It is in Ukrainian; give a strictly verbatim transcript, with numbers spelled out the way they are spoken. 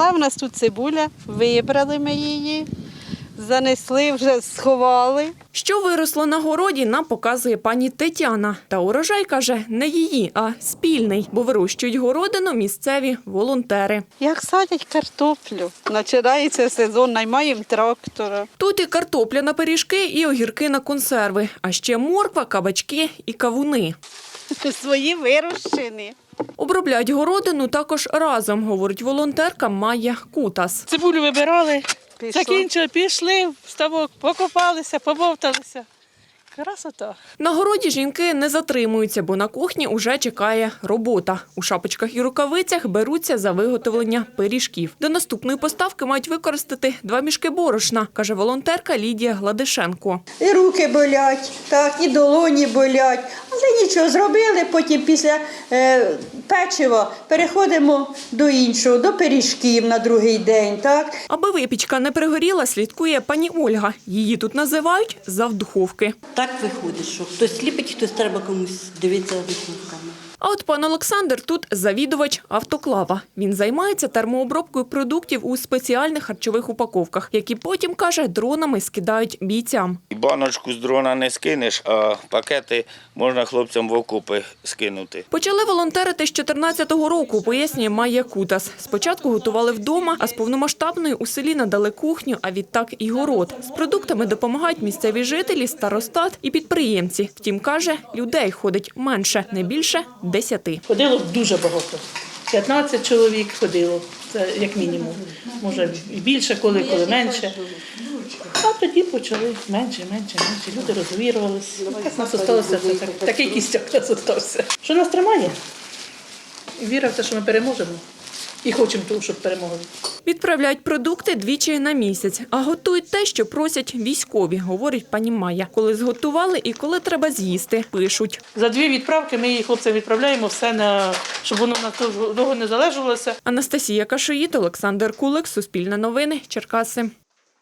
Росла в нас тут цибуля, вибрали ми її, занесли, вже сховали. Що виросло на городі, нам показує пані Тетяна. Та урожай, каже, не її, а спільний, бо вирощують городину місцеві волонтери. Як садять картоплю, починається сезон, наймаємо трактора. Тут і картопля на пиріжки, і огірки на консерви, а ще морква, кабачки і кавуни. Свої вирощені. Обробляють городину також разом, говорить волонтерка Майя Кутас. Цибулю вибирали, Пішло. закінчили, пішли в ставок, покопалися, побовталися. Красота. На городі жінки не затримуються, бо на кухні уже чекає робота. У шапочках і рукавицях беруться за виготовлення пиріжків. До наступної поставки мають використати два мішки борошна, каже волонтерка Лідія Гладишенко. І руки болять, так, і долоні болять. Але нічого, зробили, потім після е, печива переходимо до іншого, до пиріжків на другий день. Так. Аби випічка не пригоріла, слідкує пані Ольга. Її тут називають завдуховки. Так виходить, що хтось ліпить, хтось треба комусь дивитися виховками. А от пан Олександр тут завідувач автоклава. Він займається термообробкою продуктів у спеціальних харчових упаковках, які потім, каже, дронами скидають бійцям. Баночку з дрона не скинеш, а пакети можна хлопцям в окопи скинути. Почали волонтерити з чотирнадцятого року, пояснює Майя Кутас. Спочатку готували вдома, а з повномасштабної у селі надали кухню, а відтак і город. З продуктами допомагають місцеві жителі, старостат і підприємці. Втім, каже, людей ходить менше, не більше десяти. Ходило дуже багато. п'ятнадцять чоловік ходило, це як мінімум. Може і більше, коли, коли менше. А тоді почали менше, менше, менше. Люди розвірувалися. Так нас залишилося, так, такий кістяк нас залишився. Що нас тримає? Віра в те, що ми переможемо. І хочемо того, щоб перемогли. Відправляють продукти двічі на місяць, а готують те, що просять військові, говорить пані Майя. Коли зготували і коли треба з'їсти, пишуть. За дві відправки ми її хлопцям відправляємо все, на, щоб воно на того не залежалося. Анастасія Кашиїт, Олександр Кулик, Суспільне новини, Черкаси.